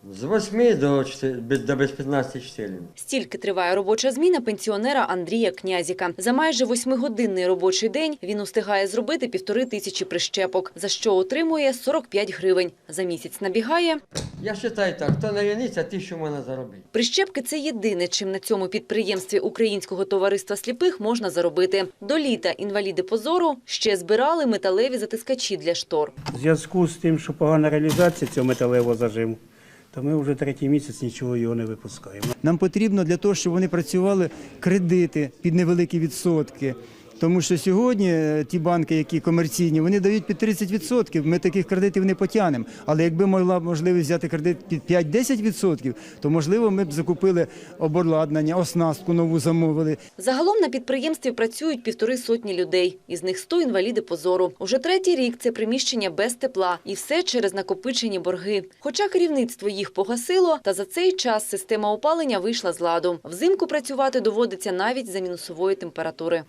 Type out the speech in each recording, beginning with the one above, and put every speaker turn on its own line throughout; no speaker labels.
З 8 до без 15 часов.
Стільки триває робоча зміна пенсіонера Андрія Князіка. За майже 8-годинний робочий день він устигає зробити 1500 прищепок, за що отримує 45 гривень. За місяць набігає.
Я вважаю так, хто не ліниться, 1000 можна заробити.
Прищепки – це єдине, чим на цьому підприємстві Українського товариства сліпих можна заробити. До літа інваліди позору ще збирали металеві затискачі для штор.
У зв'язку з тим, що погана реалізація цього металевого зажиму, то ми вже 3-й місяць нічого його не випускаємо.
Нам потрібно для того, щоб вони працювали, кредити під невеликі відсотки. Тому що сьогодні ті банки, які комерційні, вони дають під 30%. Ми таких кредитів не потягнемо. Але якби була можливість взяти кредит під 5-10%, то, можливо, ми б закупили обладнання, оснастку нову замовили.
Загалом на підприємстві працюють 150 людей. Із них 100 інваліди позору. Уже 3-й рік це приміщення без тепла. І все через накопичені борги. Хоча керівництво їх погасило, та за цей час система опалення вийшла з ладу. Взимку працювати доводиться навіть за мінусової температури.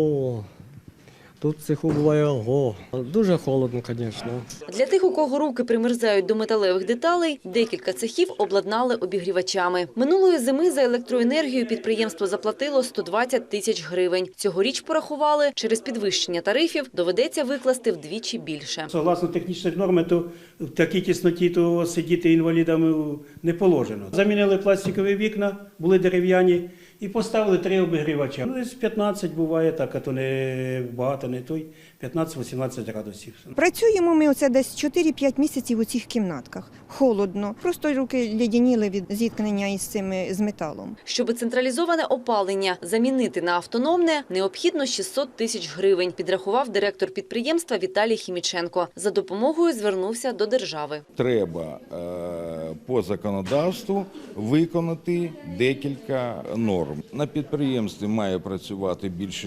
Тут в цеху буває дуже холодно, звісно.
Для тих, у кого руки примерзають до металевих деталей, декілька цехів обладнали обігрівачами. Минулої зими за електроенергію підприємство заплатило 120 тисяч гривень. Цьогоріч порахували, через підвищення тарифів доведеться викласти вдвічі більше.
Согласно технічних норм, то в такій тісноті то сидіти інвалідам не положено. Замінили пластикові вікна, були дерев'яні, і поставили 3 обігрівача. Ну, десь 15 буває так, а то не багато, не той, 15-18 градусів.
Працюємо ми оце десь 4-5 місяців у цих кімнатках. Холодно. Просто руки ледяніли від зіткнення з металом.
Щоб централізоване опалення замінити на автономне, необхідно 600 тисяч гривень, підрахував директор підприємства Віталій Хіміченко. За допомогою звернувся до держави.
Треба по законодавству виконати декілька норм. На підприємстві має працювати більше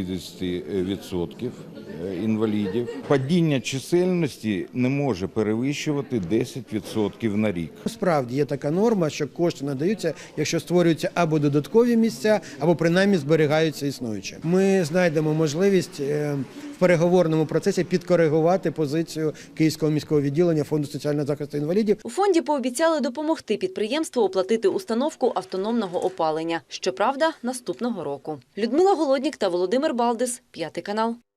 60% інвалідів. Падіння чисельності не може перевищувати 10% на рік.
Справді є така норма, що кошти надаються, якщо створюються або додаткові місця, або принаймні зберігаються існуючі. Ми знайдемо можливість в переговорному процесі підкоригувати позицію Київського міського відділення Фонду соціального захисту інвалідів.
У фонді пообіцяли допомогти підприємству оплатити установку автономного опалення. Щоправда, наступного року. Людмила Голоднік та Володимир Балдис, 5 канал.